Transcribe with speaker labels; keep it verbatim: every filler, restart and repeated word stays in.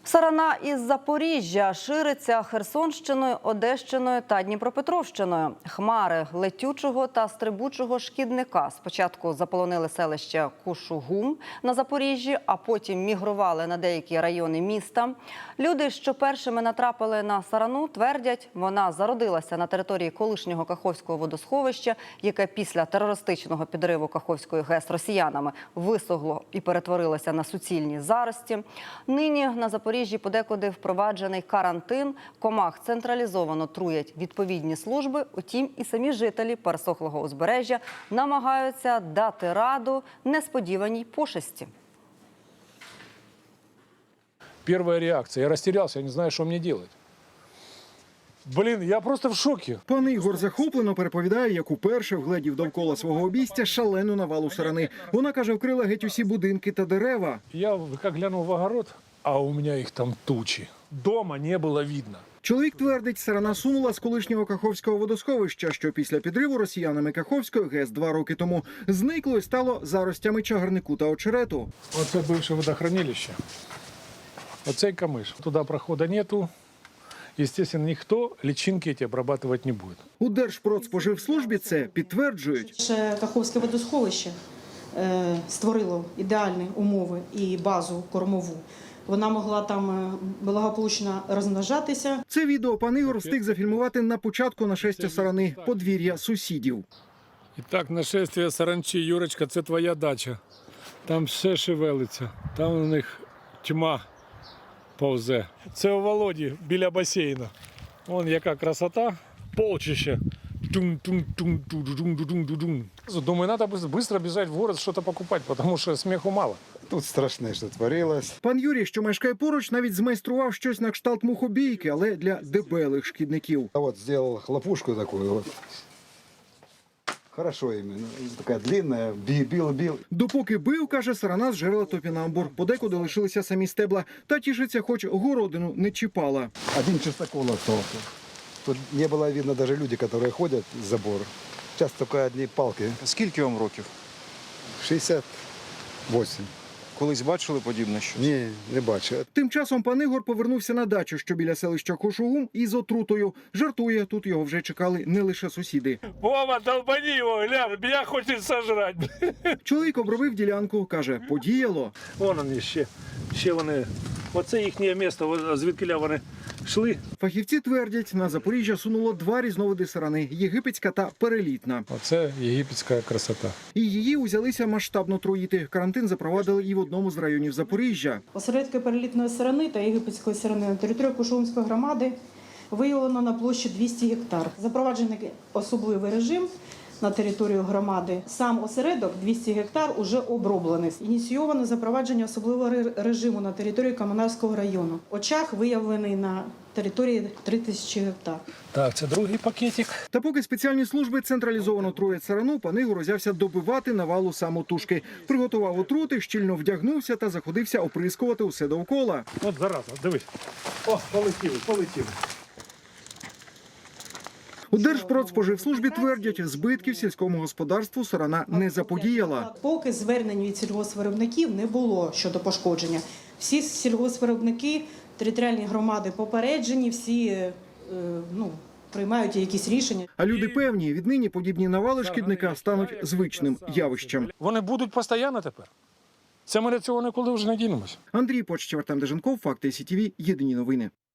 Speaker 1: Сарана із Запоріжжя шириться Херсонщиною, Одещиною та Дніпропетровщиною. Хмари летючого та стрибучого шкідника спочатку заполонили селище Кушугум на Запоріжжі, а потім мігрували на деякі райони міста. Люди, що першими натрапили на сарану, твердять, вона зародилася на території колишнього Каховського водосховища, яке після терористичного підриву Каховської ГЕС росіянами висохло і перетворилося на суцільні зарості. Нині на Запоріжжі Запоріжжі подекуди впроваджений карантин, комах централізовано труять відповідні служби, утім і самі жителі пересохлого узбережжя намагаються дати раду несподіваній пошесті.
Speaker 2: Первая реакция. Я растерялся, я не знаю, что мне делать. Блін, я просто в шокі.
Speaker 3: Пан Ігор захоплено переповідає, як уперше вгледів довкола свого обійстя шалену навалу сарани. Вона, каже, вкрила геть усі будинки та дерева.
Speaker 2: Я як глянув в огород, а у мене їх там тучі. Дома не було видно.
Speaker 3: Чоловік твердить, сарана сунула з колишнього Каховського водосховища, що після підриву росіянами Каховської ГЕС два роки тому зникло і стало заростями чагарнику та очерету.
Speaker 2: Оце бивше водохранилище. Оцей камиш. Туди проходу нету. Естественно, ніхто личинки ці обрабатувати не буде.
Speaker 3: У Держпродспоживслужбі це підтверджують.
Speaker 4: Ще Каховське водосховище е, створило ідеальні умови і базу кормову. Вона могла там благополучно розмножатися.
Speaker 3: Це відео пан Ігор встиг зафільмувати на початку нашестя сарани, подвір'я сусідів.
Speaker 2: І так, нашестя саранчі. Юрочка, це твоя дача. Там все шевелиться. Там у них тьма повзе. Це у Володі біля басейну. Вон яка красота. Полчище. Думаю, треба швидко біжати в город, щось покупати, тому що сміху мало.
Speaker 5: Тут страшне, що творилось.
Speaker 3: Пан Юрій, що мешкає поруч, навіть змайстрував щось на кшталт мухобійки, але для дебелих шкідників.
Speaker 5: А от зробив хлопушку таку. Вот. Хорошо іменно. Така длинна, бил-бил.
Speaker 3: Допоки бив, каже, сарана зжерла топінамбур. Подекуди лишилися самі стебла. Та тішиться, хоч городину не чіпала.
Speaker 5: Один частокол остался. Тут не було видно навіть люди, які ходять з забору. Зараз тільки одні палки.
Speaker 6: Скільки вам років?
Speaker 5: шістдесят вісім.
Speaker 6: Колись бачили подібне щось?
Speaker 5: Ні, не бачу.
Speaker 3: Тим часом пан Ігор повернувся на дачу, що біля селища Кушугум, із отрутою. Жартує, тут його вже чекали не лише сусіди.
Speaker 2: Вова, долбани його, глянь, мене хочуть сожрати.
Speaker 3: Чоловік обробив ділянку, каже, подіяло.
Speaker 2: Вон вони ще, ще вони, оце їхнє місце, звідкиля вони йшли.
Speaker 3: Фахівці твердять, на Запоріжжя сунуло два різновиди сарани – єгипетська та перелітна.
Speaker 2: Оце єгипетська красота.
Speaker 3: І її узялися масштабно труїти. Карантин запровадили і в одному з районів Запоріжжя.
Speaker 4: Осередки перелітної сарани та єгипетської сарани на території Кушугумської громади виявлено на площі двісті гектар. Запроваджений особливий режим на територію громади. Сам осередок двісті гектар уже оброблений. Ініційовано запровадження особливого режиму на території Комунарського району. Очаг виявлений на території три тисячі гектар.
Speaker 2: Так, це другий пакетик.
Speaker 3: Та поки спеціальні служби централізовано труять сарану, пан Ігор узявся добивати навалу самотужки. Приготував отрути, щільно вдягнувся та заходився оприскувати усе довкола.
Speaker 2: От зараза, дивись. О, полетіли, полетіли.
Speaker 3: У Держпродспоживслужбі твердять, збитків сільському господарству сарана не заподіяла.
Speaker 4: Поки звернень від сільгоспвиробників не було щодо пошкодження. Всі сільгоспвиробники, територіальні громади попереджені, всі е, ну, приймають якісь рішення.
Speaker 3: А люди певні, віднині подібні навали шкідника стануть звичним явищем.
Speaker 2: Вони будуть постійно тепер. Це ми до цього ніколи вже не дінемося.
Speaker 3: Андрій Почтєв, Артем Деженков, Факти СІТВ, єдині новини.